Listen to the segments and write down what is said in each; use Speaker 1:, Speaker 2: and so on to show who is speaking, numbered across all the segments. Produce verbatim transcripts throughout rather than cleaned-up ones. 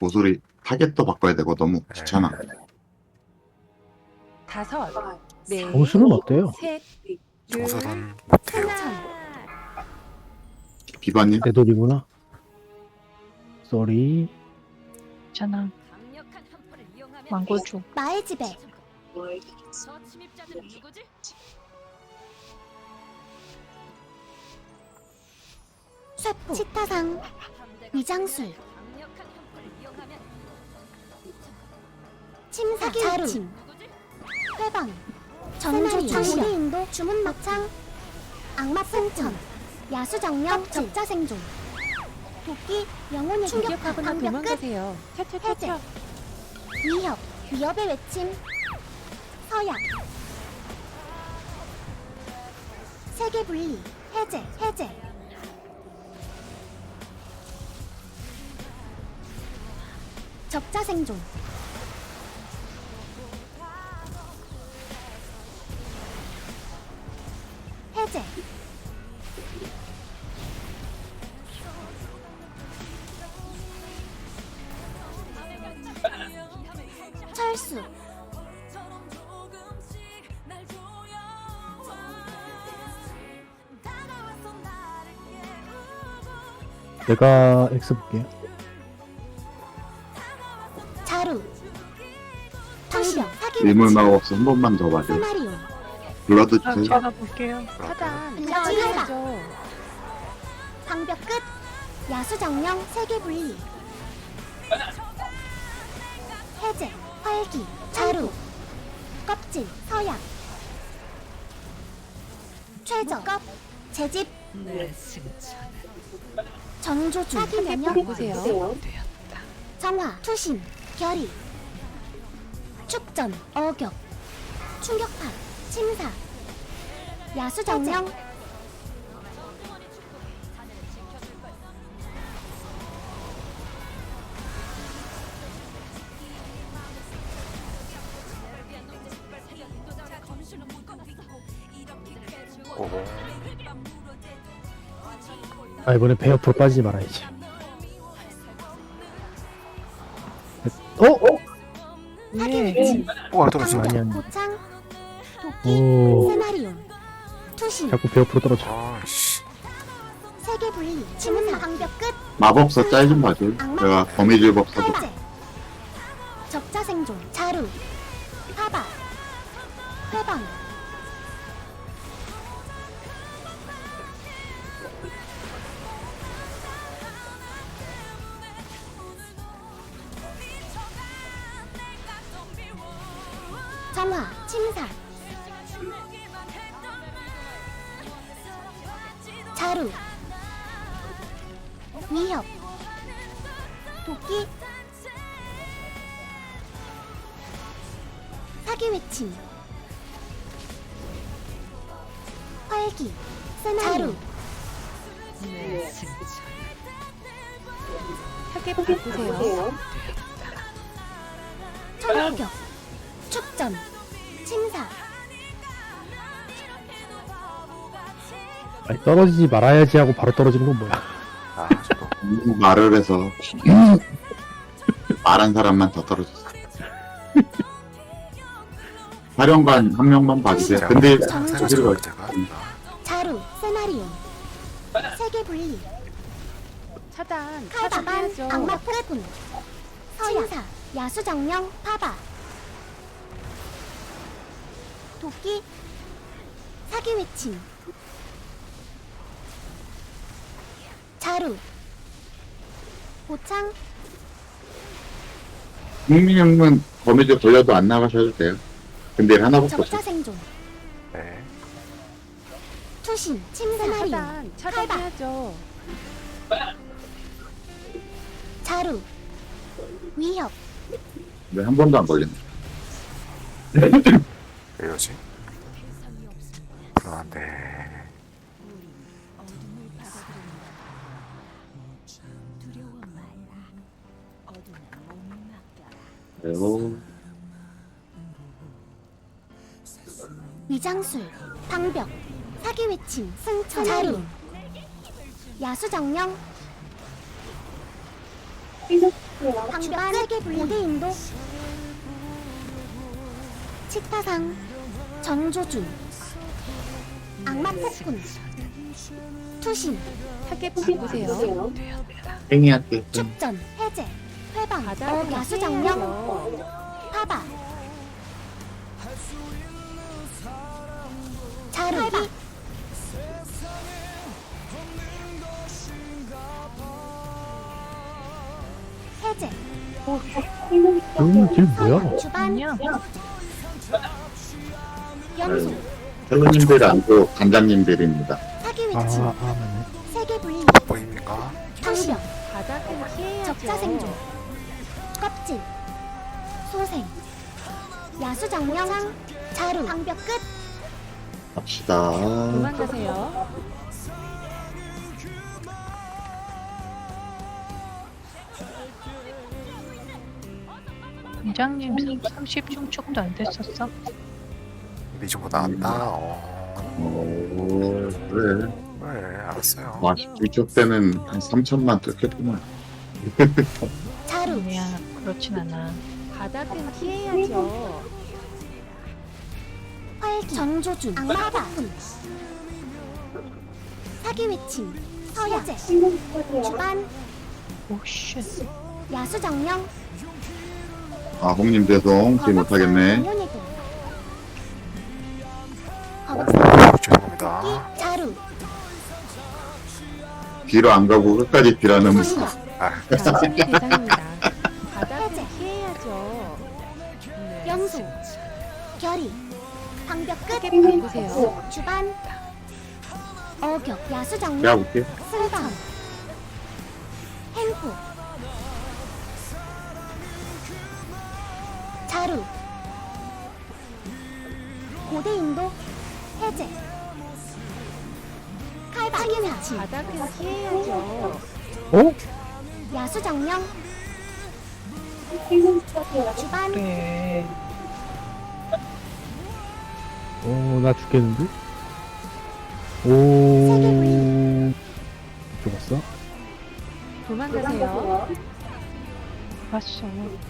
Speaker 1: 모서리 타겟도 바꿔야 되고 너무 귀찮아.
Speaker 2: 다섯, 네,
Speaker 3: 정수는 어때요?
Speaker 2: 셋, 둘,
Speaker 4: 정설은 못해요.
Speaker 2: 하나.
Speaker 1: 비반님
Speaker 3: 내 돌이구나. 쏘리.
Speaker 5: 괜찮아. 망고주.
Speaker 6: 나의 집에
Speaker 7: 저 침입자들은 누구지?
Speaker 6: 쇠포 치타상 위장술
Speaker 7: 강력한 형포를 이용하면
Speaker 6: 침사 자루
Speaker 7: 누구지?
Speaker 6: 회방 정조 장기 인도 주문 막창 악마 풍천 야수정령 적자생존 도끼 영혼의 충격하거나
Speaker 2: 공격하거나
Speaker 6: 방벽 끝
Speaker 2: 도망가세요.
Speaker 6: 해제
Speaker 2: 차차차차.
Speaker 6: 위협 위협의 외침 서약 세계 분리 해제 해제 적자생존 해제 철수
Speaker 3: 내가 X 볼게요.
Speaker 6: 자루 방벽 사기
Speaker 1: 일몰 마법사 한 번만 더 봐줘.
Speaker 6: 세마리오
Speaker 1: 블러드
Speaker 5: 아,
Speaker 1: 주세요.
Speaker 5: 제가 볼게요.
Speaker 2: 차단,
Speaker 6: 블라디
Speaker 2: 차단해야죠.
Speaker 6: 방벽 끝 야수정령 세계 분리 해제 활기 자루 껍질 서약 최저 껍 재집 정조주 사기 면역
Speaker 2: 누구세요?
Speaker 6: 정화 투신 결의 축전 어격 충격파 침사 야수정령
Speaker 4: 오호.
Speaker 3: 아, 이번에 배 옆으로 빠지지 말아야지. 어? 어?
Speaker 6: 사기
Speaker 5: 예.
Speaker 6: 외침
Speaker 4: 오, 안 떨어져.
Speaker 3: 많이 한.
Speaker 6: 고창 도끼
Speaker 3: 오.
Speaker 6: 세마리온 투신
Speaker 3: 자꾸 배 옆으로 떨어져.
Speaker 4: 아, 씨.
Speaker 6: 세계 분리 지문 방벽 끝
Speaker 1: 마법사 짤 좀 봐줘. 내가 거미줄 법사도
Speaker 6: 해제 적자생존 자루 파바 회방 정화 침사 자루 위협 도끼 사기 외침 활기 세나루
Speaker 2: 타겟 바꾸세요.
Speaker 6: 철격 축전 침사
Speaker 3: 아니, 떨어지지 말아야지 하고 바로 떨어지는 건 뭐야?
Speaker 4: 아, 저도.
Speaker 1: 너무 말을 해서 말한 사람만 더 떨어졌어. 사령관 한 명만 봐주세요.
Speaker 4: 제가
Speaker 1: 근데
Speaker 4: 제가
Speaker 1: 저기로
Speaker 4: 제가
Speaker 1: 가.
Speaker 4: 제가
Speaker 6: 자루 세나리온 세계 분리
Speaker 2: 차단,
Speaker 6: 칼바반
Speaker 2: 차단해야죠.
Speaker 6: 악마 폭군 서야사 야수정령 파바 도끼 사기 외침 자루 고창
Speaker 1: 국민 형은 거미줄 돌려도 안 나가셔도 돼요. 근데 하나밖에 없어.
Speaker 6: 적자생존
Speaker 4: 네.
Speaker 6: 투신 침세마리온
Speaker 2: 차단, 차단해야죠.
Speaker 6: 자루 위협
Speaker 1: 왜 한 번도 안 걸렸네.
Speaker 4: 왜 이러지? 불안한데.
Speaker 1: 그리고
Speaker 6: 위장술 방벽 사기 외침 승천 자루 야수정령 주반 세계 고대 인도 치타상 정조준 악마 폭군 투신
Speaker 2: 타겟 바꾸세요.
Speaker 1: 행위할게.
Speaker 6: 축전 해제 회방
Speaker 2: 바닥은
Speaker 6: 어, 야수장령
Speaker 2: 피해야죠.
Speaker 6: 파바 자루기 해제
Speaker 3: 음, 길 뭐야?
Speaker 6: 주반 염소
Speaker 1: 헬로님들 아니고 간장님들입니다.
Speaker 6: 사기
Speaker 3: 아,
Speaker 6: 위치
Speaker 3: 아, 맞네.
Speaker 6: 세계 불림
Speaker 4: 보입니까?
Speaker 6: 당병
Speaker 2: 바닥은 피해야죠.
Speaker 6: 적자 생존 껍질 소생 야수장령 자루 방벽 끝
Speaker 1: 갑시다.
Speaker 2: 도망가세요.
Speaker 5: 원장님 삼십 중축도 안 됐었어?
Speaker 4: 미주고 나왔다. 어.
Speaker 1: 오, 그래.
Speaker 4: 네, 알았어요.
Speaker 1: 와, 이쪽 때는 한 삼천만 뜯겠구만.
Speaker 6: 자루
Speaker 5: 아니야, 그렇진 않아.
Speaker 2: 바닥은 피해야죠.
Speaker 6: 활기 정조준 악마바 사기 외침 서야제 주반
Speaker 5: 오쉣.
Speaker 6: 야수정령
Speaker 1: 아, 홍님 죄송. 지 못하겠네.
Speaker 6: 연예도
Speaker 4: 죄송합니다.
Speaker 6: 자루
Speaker 1: 뒤로 안 가고 끝까지 뒤라는
Speaker 6: 선거
Speaker 4: 아,
Speaker 2: 나중이 대상입니다.
Speaker 6: 해제.
Speaker 2: 바닥은 피해야죠. 네.
Speaker 6: 염소 결이 방벽 끝
Speaker 2: 타겟 바꾸세요.
Speaker 6: 주반 어격 야수정령
Speaker 1: 내가 볼게.
Speaker 6: 승방 행포 자루 고대 인도 해제 칼바 사기 위치
Speaker 2: 바닥은 피해야죠.
Speaker 3: 어?
Speaker 6: 야수정령 주반
Speaker 5: 그래.
Speaker 3: 어, 나 죽겠는데? 오, 죽었어?
Speaker 2: 도망가세요.
Speaker 5: 봤어.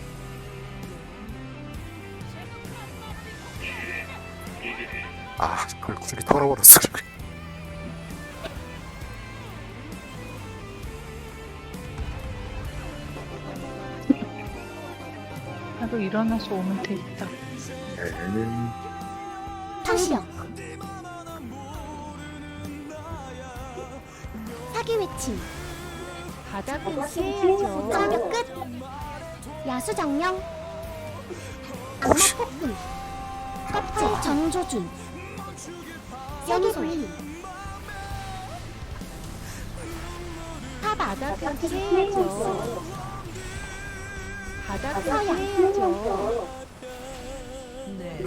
Speaker 4: 아, 그걸 구슬이 털어버렸어.
Speaker 5: 하루 일어나서 오면 되겠다.
Speaker 6: 당시형 사기 외침
Speaker 2: 바닥은 피해야죠.
Speaker 6: 장벽 끝 야수정령 악마 폭군 껍질 정조준 세기 불림 파바
Speaker 2: 바닥은 피해야죠. 바닥은 피해야죠. 네,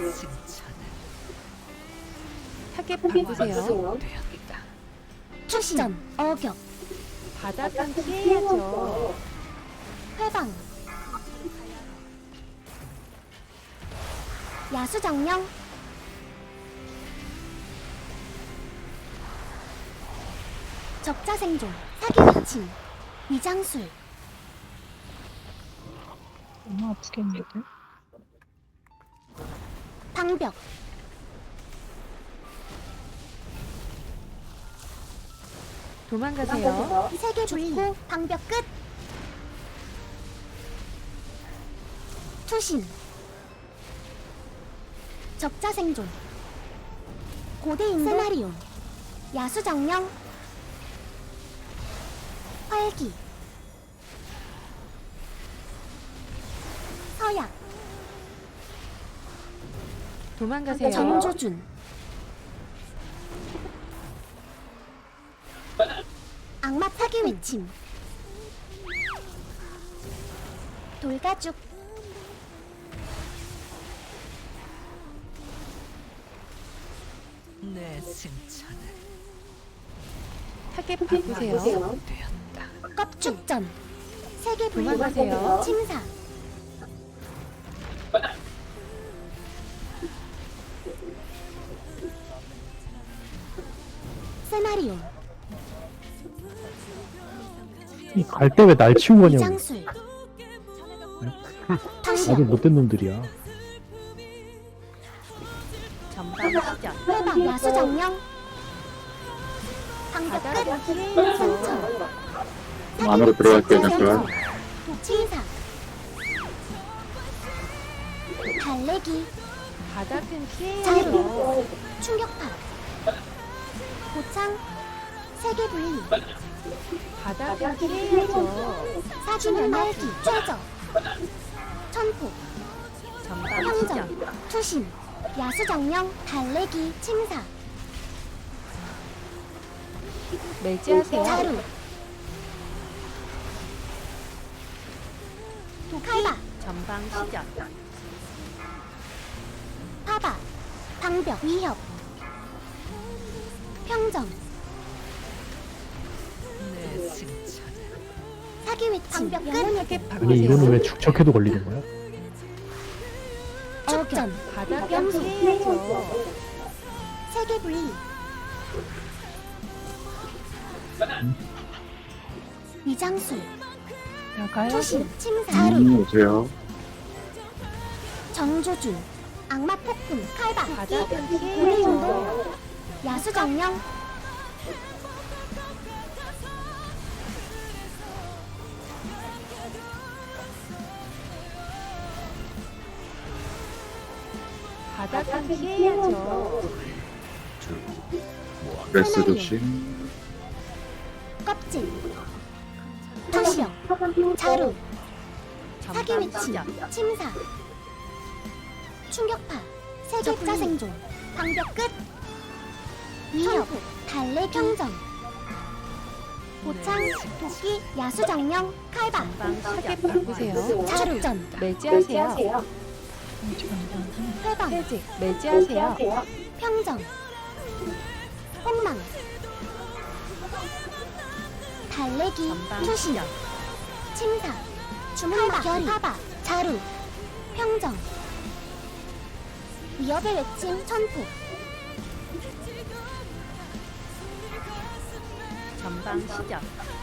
Speaker 2: 타겟 바꾸세요.
Speaker 6: 출전 어격
Speaker 2: 바닥은 피해야죠.
Speaker 6: 회방 야수정령 적자 생존 사기 외침 위장술
Speaker 5: 너무 아프겠는데?
Speaker 6: 방벽
Speaker 2: 도망가세요.
Speaker 6: 세계 불고 방벽 끝 투신 적자 생존 고대 인도 세나리온 야수정령 활기 서약
Speaker 2: 도망가세요.
Speaker 6: 정조준 악마 타기 외침 돌가죽
Speaker 2: 타겟 바꾸세요.
Speaker 6: 껍죽전 세계 불고
Speaker 2: 도망가세요.
Speaker 6: 침사 세나리오
Speaker 3: 갈 때 왜 날 치운 거냐고.
Speaker 6: 위장술 당신
Speaker 3: 아주 못된 놈들이야.
Speaker 2: 전방 시작.
Speaker 6: 회방 야수 정령 방벽
Speaker 2: 바닥은
Speaker 6: 끝
Speaker 2: 피해야죠.
Speaker 6: 상처
Speaker 1: 안으로 들어갈게요, 잠깐.
Speaker 6: 치사 달래기
Speaker 2: 바닥은 피해야죠.
Speaker 6: 자루 충격파 고창 세계 분리
Speaker 2: 바닥은 피해야죠.
Speaker 6: 사기는 날기 최저 천폭
Speaker 2: 전방 시작.
Speaker 6: 평정 투신 야수 정령 달래기 침사
Speaker 2: 매지하세요.
Speaker 6: 자루 칼바
Speaker 2: 전방 시작.
Speaker 6: 파바 방벽 위협 평정 사기 외침 방벽 끝
Speaker 3: 아니 이거는 왜 축척해도 걸리는 거야?
Speaker 6: 축전
Speaker 2: 바닥은
Speaker 6: 염소
Speaker 2: 피해야죠.
Speaker 6: 세계 분리 위장술
Speaker 5: 나가요?
Speaker 6: 투신 침사 자루
Speaker 1: 음, 오세요.
Speaker 6: 정조준 악마 폭군 칼바
Speaker 2: 바닥은
Speaker 6: 우리
Speaker 2: 피해야죠.
Speaker 6: 운동 야수 정령
Speaker 2: 바닥은 피해야죠.
Speaker 1: 레스 조심.
Speaker 6: 껍질 투시력 자루 사기
Speaker 2: 전방
Speaker 6: 외침
Speaker 2: 시작.
Speaker 6: 침사 충격파 세격자 생존 방벽 끝 위협 달래 평정 고창 도끼 야수 정령 칼바
Speaker 2: 전방 시작. 바꾸세요.
Speaker 6: 자루전
Speaker 2: 매지하세요.
Speaker 6: 회방
Speaker 2: 해직. 매지하세요.
Speaker 6: 평정 폭망 달래기
Speaker 2: 전방
Speaker 6: 투신
Speaker 2: 시작.
Speaker 6: 침사 주문막 결이 파바 자루 평정 위협의 외침 천폭
Speaker 2: 전방 시작.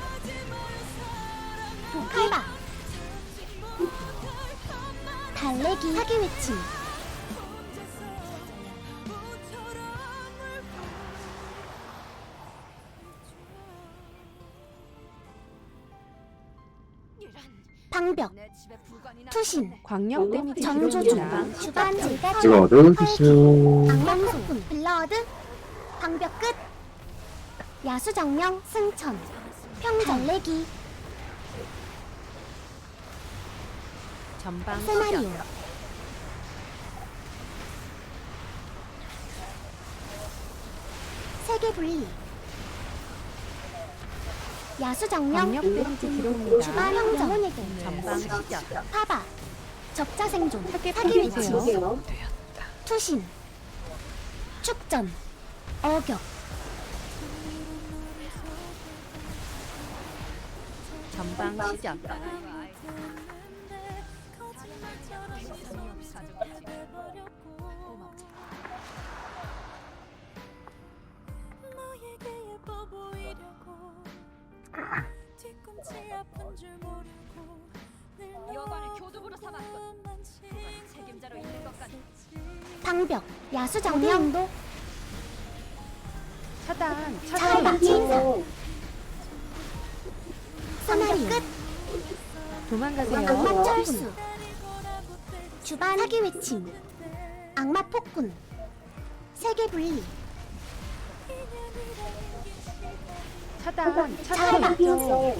Speaker 6: 칼바 달래기 사기 외침 방벽
Speaker 7: 내 집에 불관이
Speaker 6: 투신
Speaker 2: 광역 데미지
Speaker 6: 정조준
Speaker 2: 들어옵니다.
Speaker 6: 주반 질가
Speaker 1: 제가 얻어주세요.
Speaker 6: 악명폭군 블러드 방벽 끝 야수 정령 승천 평정 달래기
Speaker 2: 전방
Speaker 6: 세마리오
Speaker 2: 시작.
Speaker 6: 세계 분리 야수 정령
Speaker 2: 광역 데미지 들어옵니다.
Speaker 6: 주반 평정
Speaker 2: 전방 시작.
Speaker 6: 파바 적자 생존
Speaker 2: 사기
Speaker 6: 사기 외침
Speaker 2: 바꾸세요.
Speaker 6: 투신 축전 어격
Speaker 2: 전방 시작.
Speaker 7: 여관을 교두부로 삼았군. 누가 책임자로 있는 것 같아.
Speaker 6: 방벽 야수 정령도
Speaker 2: 차단.
Speaker 6: 칼바
Speaker 2: 차단.
Speaker 6: 침사 소나리 끝
Speaker 2: 도망가세요.
Speaker 6: 악마 철수 주반 사기 외침 악마 폭군 세계 분리
Speaker 2: 차단.
Speaker 6: 칼바
Speaker 2: 차단했죠.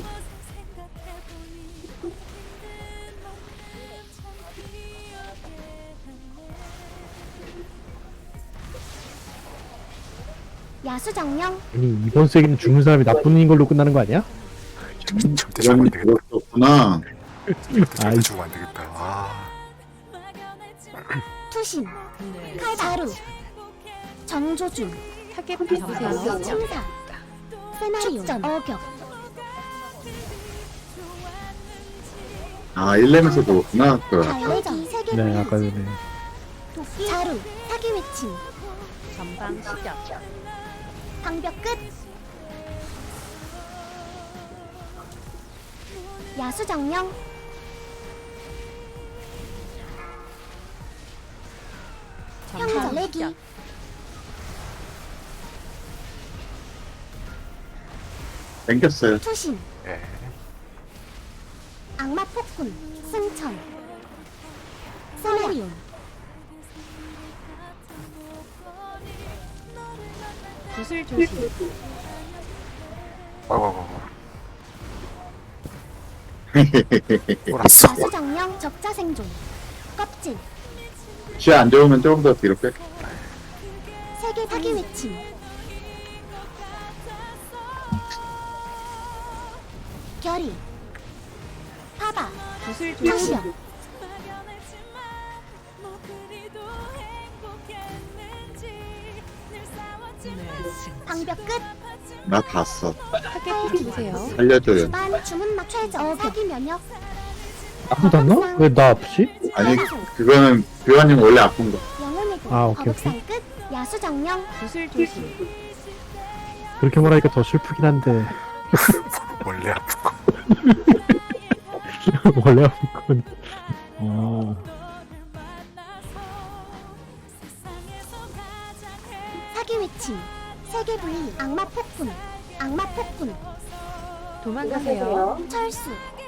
Speaker 6: 야수 정령
Speaker 3: 아니 이번 세기는 죽는 사람이 나쁜 걸로 끝나는 거 아니야?
Speaker 4: 절대 죽으면 안 되겠다.
Speaker 1: 그렇구나.
Speaker 4: 절대
Speaker 3: 아이.
Speaker 4: 죽으면 안 되겠다. 아,
Speaker 6: 투신 칼 자루 정조준
Speaker 2: 타겟
Speaker 6: 야수
Speaker 2: 바꾸세요.
Speaker 6: 침사 세나리오 축전 어격
Speaker 1: 아, 일 렘에서도 그렇구나. 그,
Speaker 6: 달래기 세계
Speaker 3: 네
Speaker 6: 분리
Speaker 3: 아까 전에
Speaker 6: 도끼 자루 사기 외침
Speaker 2: 전방 시작.
Speaker 6: 방벽 끝 야수 정령 달래기
Speaker 2: 시작.
Speaker 1: 땡겼어요.
Speaker 6: 투신
Speaker 4: 예.
Speaker 6: 악마 폭군 승천 세마리온
Speaker 2: 구슬 조심.
Speaker 4: 어이구, 몰았어.
Speaker 6: 야수정령 적자생존 껍질
Speaker 1: 시야 안 좋으면 조금 더 뒤로 빼.
Speaker 6: 세계 사기 외침 결의 파바
Speaker 2: 구슬 조심.
Speaker 6: 상시역 방벽 끝
Speaker 1: 나 봤어.
Speaker 2: 타겟 주세요.
Speaker 1: 살려줘요.
Speaker 6: 주반 주문막 최저 사기 면역
Speaker 3: 아프지 않나? 왜 나 아프지?
Speaker 1: 아니, 그거는 교환님 원래 아픈 거.
Speaker 6: 영혼의 도
Speaker 3: 아, 오케이,
Speaker 6: 거북상 끝 야수정령
Speaker 2: 구슬 조심.
Speaker 3: 그렇게 말하니까 더 슬프긴 한데
Speaker 4: 원래 아픈 거.
Speaker 3: 원래 아픈 건 어...
Speaker 6: 사기 외침 세계 분리 악마 폭군 악마 폭군
Speaker 2: 도망가세요.
Speaker 6: 철수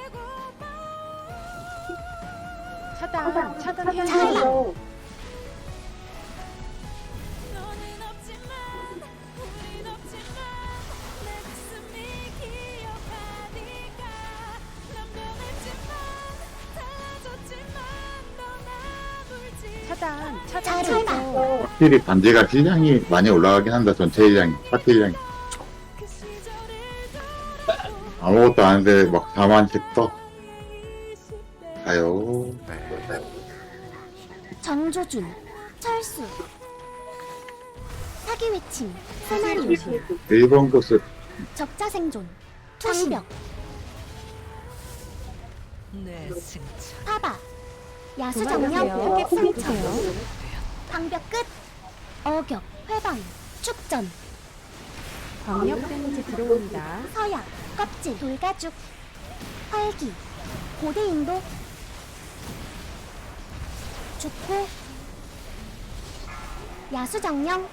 Speaker 2: 차단. 차단해야
Speaker 6: 차단
Speaker 2: 돼요. 차단. 차단.
Speaker 6: 차단.
Speaker 2: 해서
Speaker 1: 확실히 반지가 힐량이 많이 올라가긴 한다. 전체 힐량이. 파티 힐량이. 아무것도 안 하는데 막 사만씩 떠. 가요.
Speaker 4: 네.
Speaker 6: 정조준 철수 사기 외침
Speaker 2: 구슬
Speaker 6: 세마리온
Speaker 2: 조심.
Speaker 1: 일 번 코스
Speaker 6: 적자생존 투시벽 파바 야수정령
Speaker 2: 도망가세요. 타겟
Speaker 6: 승천
Speaker 2: 보세요.
Speaker 6: 방벽 끝 어격 회방 축전
Speaker 2: 광역 데미지 들어옵니다.
Speaker 6: 서약 껍질 돌가죽 활기 고대인도 죽고 야수정령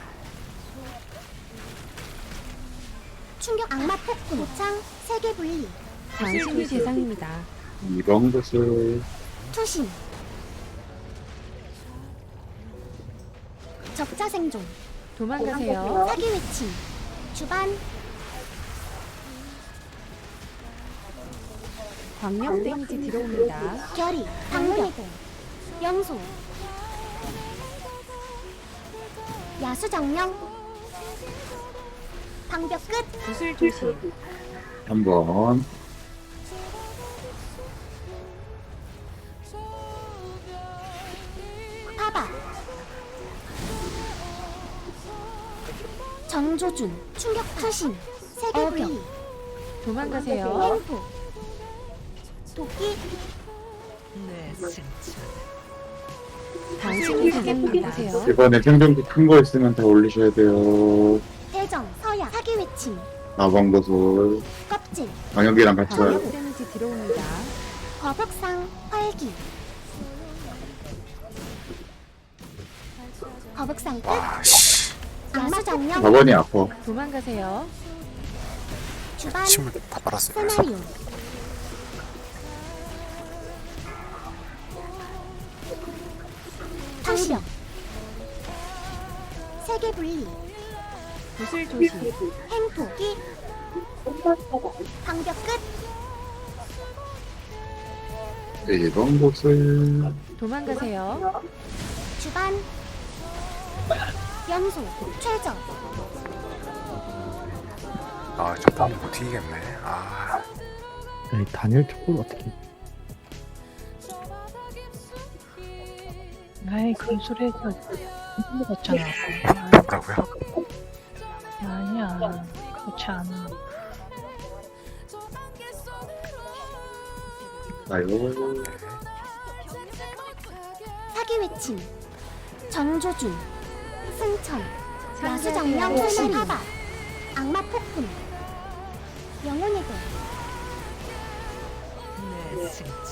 Speaker 6: 충격 악마 폭군 고창 세계 분리
Speaker 2: 당신이 대상입니다.
Speaker 1: 이 번 코스
Speaker 6: 투신 적자생존
Speaker 2: 도망가세요.
Speaker 6: 사기 외침 주반
Speaker 2: 광역 데미지 들어옵니다.
Speaker 6: 결의 방문의 공 영소 야수정령 방벽 끝
Speaker 2: 구슬 조심.
Speaker 1: 한 번.
Speaker 6: 파바 정조준 충격 투신 세계 분리
Speaker 2: 도망가세요.
Speaker 6: 횡포 도끼
Speaker 2: 당신이 대상입니다. 보세요.
Speaker 1: 이번에 생존기 큰 거 있으면 다 올리셔야 돼요.
Speaker 6: 대정 서약 사기 외침
Speaker 1: 사 번 코스
Speaker 6: 껍질
Speaker 1: 방역이랑 같이 와요.
Speaker 2: 광역 데미지 들어옵니다.
Speaker 6: 거북상 활기 거북상 끝
Speaker 4: 아, 씨.
Speaker 6: 야수정령
Speaker 1: 사 번이 아파.
Speaker 2: 도망가세요.
Speaker 6: 주반
Speaker 4: 침을 다 빨았어요.
Speaker 6: 세마리온 타시력 세계 분리
Speaker 2: 구슬 조심.
Speaker 6: 행토끼 방벽 끝
Speaker 1: 일 번 코스
Speaker 2: 도망가세요.
Speaker 6: 주반 연소 최저
Speaker 4: 아, 잠깐 못 이기겠네. 아,
Speaker 3: 아니 단일 쪽을 어떻게
Speaker 5: 아이 그 소리에서 힘들었잖아.
Speaker 4: 뭐라고요?
Speaker 5: 아니야 그렇지 않아.
Speaker 1: 가요.
Speaker 6: 사기 외침 정조준 승천 야수정령
Speaker 2: 상대하세요.
Speaker 6: 세마리 파바 악마 폭군 영혼의 도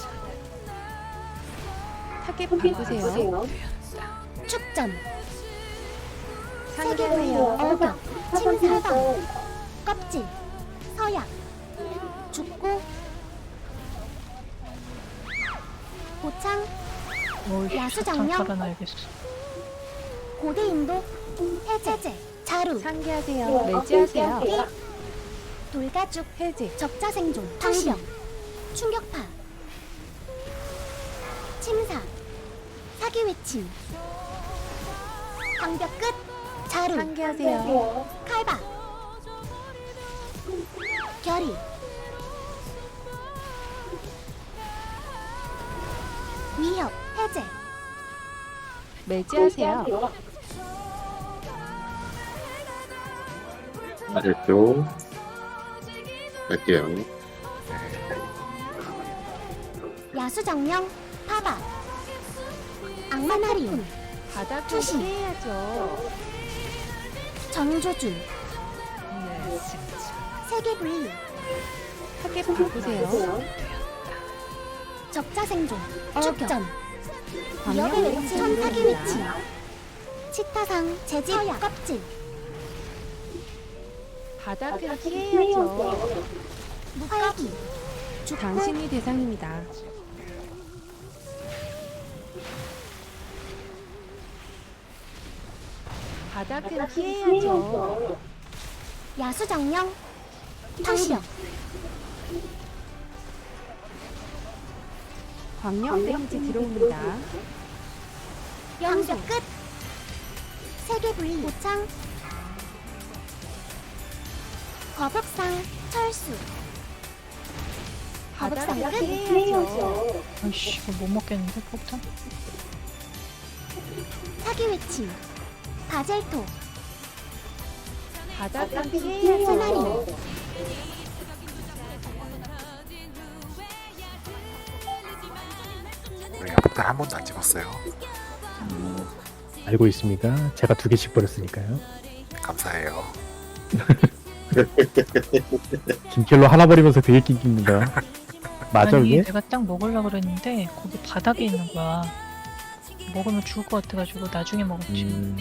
Speaker 2: 타겟 바꾸세요.
Speaker 6: 축전
Speaker 2: 상기하세요.
Speaker 6: 어격, 침사방, 껍질, 서약, 죽고, 고창,
Speaker 5: 뭘
Speaker 6: 야수정령.
Speaker 5: 살아나야겠어.
Speaker 6: 고대인도, 해제제, 자루,
Speaker 2: 상기하세요. 매지하세요.
Speaker 6: 피, 돌가죽,
Speaker 2: 해제.
Speaker 6: 적자생존, 방병, 충격파, 침사, 사기외침, 방벽 끝, 자루,
Speaker 2: 상기하세요.
Speaker 6: 칼바, 결의, 위협, 해제,
Speaker 2: 매지하세요.
Speaker 1: 아래쪽 갈게요.
Speaker 6: 야수정령, 파바, 악마나리움,
Speaker 2: 바닥을
Speaker 6: 투신.
Speaker 2: 피해야죠.
Speaker 6: 정조준, 세계분리,
Speaker 2: 타겟 바꾸세요.
Speaker 6: 적자생존, 축전,
Speaker 2: 광역
Speaker 6: 위협의
Speaker 2: 데미지
Speaker 6: 외침, 사기
Speaker 2: 들어옵니다.
Speaker 6: 외침, 치타상, 재질, 껍질,
Speaker 2: 바닥을 피해야죠.
Speaker 6: 활기, 죽고,
Speaker 2: 당신이 대상입니다. 바닥을 피해야죠.
Speaker 6: 야수정령, 방벽,
Speaker 2: 광역 데미지 들어옵니다.
Speaker 6: 방벽 끝, 세계분리, 고창, 거북상, 철수, 거북상
Speaker 2: 바닥을
Speaker 6: 끝,
Speaker 2: 피해야죠.
Speaker 5: 아이씨, 이거 못 먹겠는데, 폭탄?
Speaker 6: 사기외침, 바젤토,
Speaker 2: 바닥을
Speaker 6: 소나리,
Speaker 2: 피해야죠.
Speaker 4: 우리 폭탄 한 번도 안 찍었어요.
Speaker 3: 알고 있습니다. 제가 두 개씩 버렸으니까요.
Speaker 4: 감사해요.
Speaker 3: 김켈로 하나 버리면서 되게 낑깁니다. 맞아,
Speaker 5: 아니,
Speaker 3: 이게?
Speaker 5: 내가 딱 먹으려고 그랬는데, 거기 바닥에 있는 거야. 먹으면 죽을 것 같아가지고, 나중에 먹었지.
Speaker 3: 음,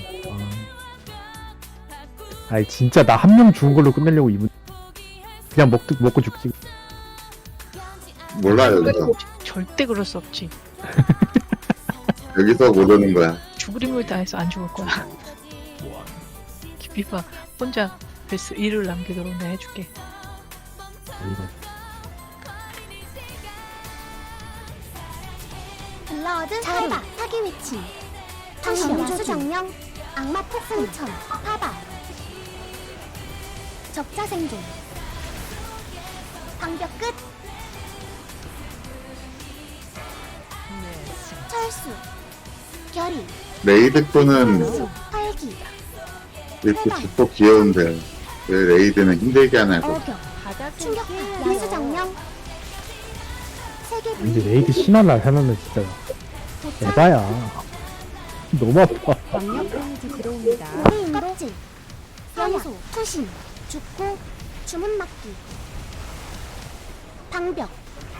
Speaker 3: 아. 아니, 진짜 나 한 명 죽은 걸로 끝내려고 이분. 그냥 먹, 먹고 죽지.
Speaker 1: 몰라요 여기서.
Speaker 5: 절대 그럴 수 없지.
Speaker 1: 여기서 모르는 거야.
Speaker 5: 죽을 힘을 다해서 안 죽을 거야. 기피파 혼자 베스 일을 남기도록 내가 해줄게.
Speaker 3: 이거.
Speaker 6: 블러드, 칼바, 사기외침, 방벽, 야수정령, 악마 폭풍천, 파바, 적자생존, 방벽 끝, 철수, 결의,
Speaker 1: 레이드
Speaker 6: 활기,
Speaker 1: 이렇게 죽고 귀여운데 왜 레이드는 힘들게 하냐고.
Speaker 6: 어격,
Speaker 2: 바닥을
Speaker 6: 충격파,
Speaker 2: 피해야죠.
Speaker 6: 야수정령,
Speaker 3: 근데
Speaker 6: 세계분리,
Speaker 3: 레이드 신화나 하면은 진짜
Speaker 6: 도착,
Speaker 3: 에바야. 너무 아파.
Speaker 2: 광역 데미지 들어옵니다.
Speaker 6: 고대인 껍질, 염소, 투신, 죽고, 주문막기, 방벽,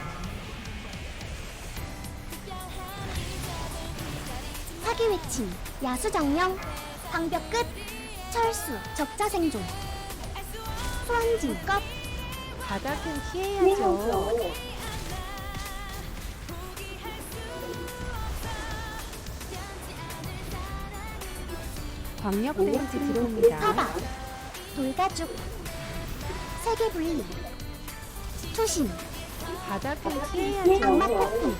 Speaker 6: 사기외침, 야수정령, 방벽 끝, 철수, 적자생존, 소환진, 껍,
Speaker 2: 바닥을 피해야죠. 광역 데미지 들어옵니다.
Speaker 6: 파바, 돌가죽, 세계분리, 투신,
Speaker 2: 바닥을
Speaker 6: 악마
Speaker 2: 피해야죠.
Speaker 6: 폭풍,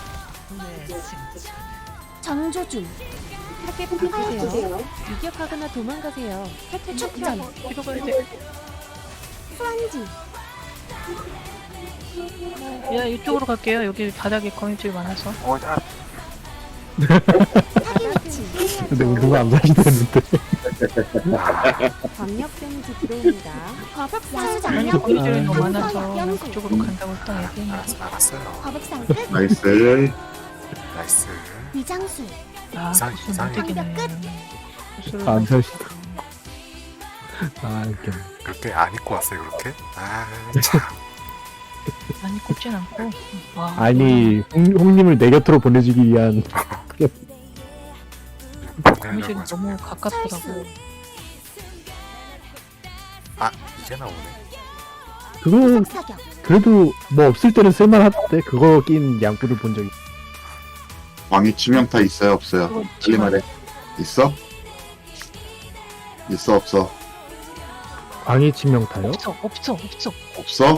Speaker 6: 정조준,
Speaker 2: 타겟 바꾸세요. 유격하거나 도망가세요. 혜택
Speaker 6: 축전,
Speaker 5: 뒤로 가야 돼.
Speaker 6: 소환진,
Speaker 5: 야, 이쪽으로 갈게요. 여기 바닥에 거미줄이 많아서.
Speaker 4: 어, 아,
Speaker 6: 사기외침,
Speaker 3: 근데 누가 안 사시는데.
Speaker 2: 광역 데미지 들어옵니다.
Speaker 6: 거북상, 야수정령,
Speaker 5: 거미줄이
Speaker 3: 아.
Speaker 5: 너무 많아서
Speaker 6: 염소,
Speaker 5: 그쪽으로 간다고 딱 얘기했는데.
Speaker 4: 알았어, 알았어요.
Speaker 6: 거북상 끝,
Speaker 1: 나이스.
Speaker 4: 나이스.
Speaker 6: 위장술,
Speaker 5: 아,
Speaker 4: 이상-
Speaker 5: 무슨
Speaker 4: 이상해.
Speaker 5: 못되겠네. 무슨
Speaker 3: 안 사시다. 아, 웃겨.
Speaker 4: 그렇게 안 입고 왔어요, 그렇게? 아, 참.
Speaker 5: 많이 꼽진 않고. 와,
Speaker 3: 아니, 홍, 홍님을 내 곁으로 보내주기 위한.
Speaker 5: 거미줄이
Speaker 4: 보내려고
Speaker 5: 너무 가깝더라고.
Speaker 4: 아, 이제 나오네.
Speaker 3: 그거
Speaker 6: 후속 사격.
Speaker 3: 그래도 뭐 없을 때는 쓸만하대. 그거 낀 양꾼을 본 적이.
Speaker 1: 광희 치명타 있어요 없어요?
Speaker 5: 그거
Speaker 1: 빨리 말해. 있어? 있어 없어?
Speaker 3: 광희 치명타요?
Speaker 5: 없어 없어 없어.
Speaker 1: 없어?